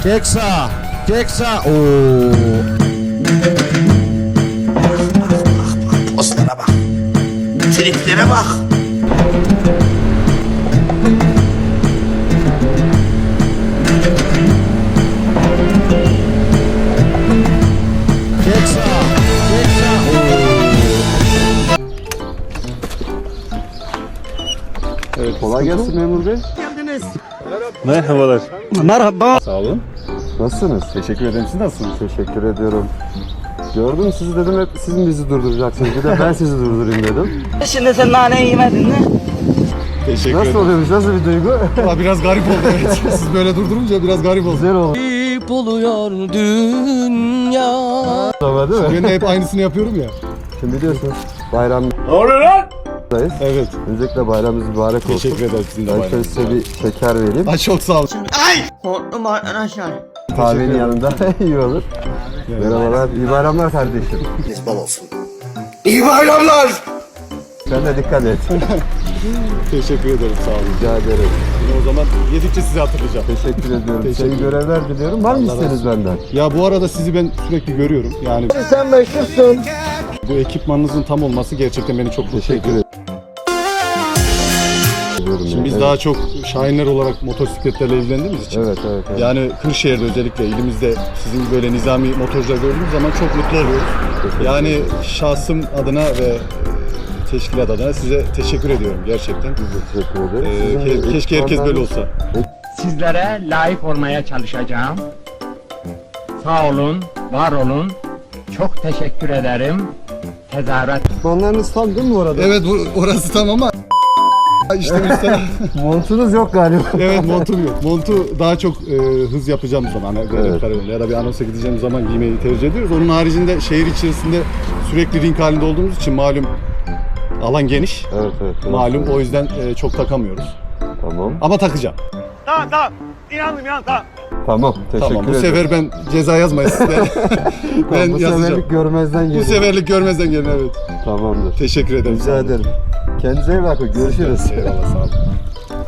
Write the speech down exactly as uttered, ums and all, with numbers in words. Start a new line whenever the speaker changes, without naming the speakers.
Çek sağ. Çek sağ. Oo.
Postlara bak. Triplere bak.
Çek sağ. Çek sağ. Oo.
Evet, kolay gelsin memur bey.
Merhabalar.
Merhaba.
Sağ olun.
Nasılsınız?
Teşekkür ederim. Siz nasılsınız?
Teşekkür ediyorum. Gördüm sizi dedim, hep siz mi bizi durduracaksınız? Bir de ben sizi durdurayım dedim.
Şimdi sen nane yemedin mi?
Teşekkür
Nasıl oluyormuş, nasıl bir duygu?
Aa, biraz garip oldu evet. Siz böyle durdurunca biraz garip oldu.
Güzel oldu.
İp oluyor dünya.
Ama değil mi?
Ben de hep aynısını yapıyorum ya.
Şimdi biliyorsunuz bayram
Ne oluyor lan?
dayız.
Evet.
Öncelikle bayramınız mübarek olsun.
Teşekkür ederim sizin de
Ben şöyle
bayramınız.
size bir şeker vereyim.
Ay çok sağ olun.
Korktum arkadaşlar.
Kahvenin yanında iyi olur. Merhabalar, iyi bayramlar kardeşim.
Bol olsun. İyi bayramlar.
Sen de dikkat et.
Teşekkür ederim sağ olun.
Rica ederim.
Yine o zaman yedikçe sizi hatırlayacağım.
Teşekkür ediyorum.
Teşekkür
Senin görevler diliyorum. Var mı
Allah razı
isteğiniz benden?
Ya bu arada sizi ben sürekli görüyorum. Yani
Sen meşhursun.
bu ekipmanınızın tam olması gerçekten beni çok mutlu
Teşekkür
ediyor.
ederim.
Şimdi biz
Evet.
daha çok şahinler olarak motosikletlerle ilgilendiğimiz için.
Evet, evet, evet.
Yani Kırşehir'de özellikle ilimizde sizin böyle nizami motorcular gördüğümüz zaman çok mutlu oluyoruz. Yani şahsım adına ve teşkilat adına size teşekkür ediyorum gerçekten.
Teşekkür ederim.
Ee,
Sizin
ke- keşke herkes böyle olsa.
Sizlere layık olmaya çalışacağım. Sağ olun, var olun. Çok teşekkür ederim. Tezahürat.
ekipmanlarınız tam değil mi bu arada?
Evet bu orası tam ama işte işte
Montunuz yok galiba.
evet montum yok. Montu daha çok e, hız yapacağım zaman hani
Evet.
evet. kararıyla ya da bir anonsa gideceğim zaman giymeyi tercih ediyoruz. Onun haricinde şehir içerisinde sürekli ring halinde olduğumuz için malum alan geniş.
Evet, evet. evet.
Malum o yüzden e, çok takamıyoruz.
Tamam.
Ama takacağım.
Tamam. Teşekkür
Tamam bu
ederim.
sefer ben ceza yazmayın sizler. ben
Tamam, bu
yazacağım.
seferlik görmezden gelin.
Bu seferlik görmezden gelin evet.
Tamamdır.
Teşekkür ederim.
Rica ederim. Kendinize iyi bakın. Görüşürüz.
Eyvallah sağ olun.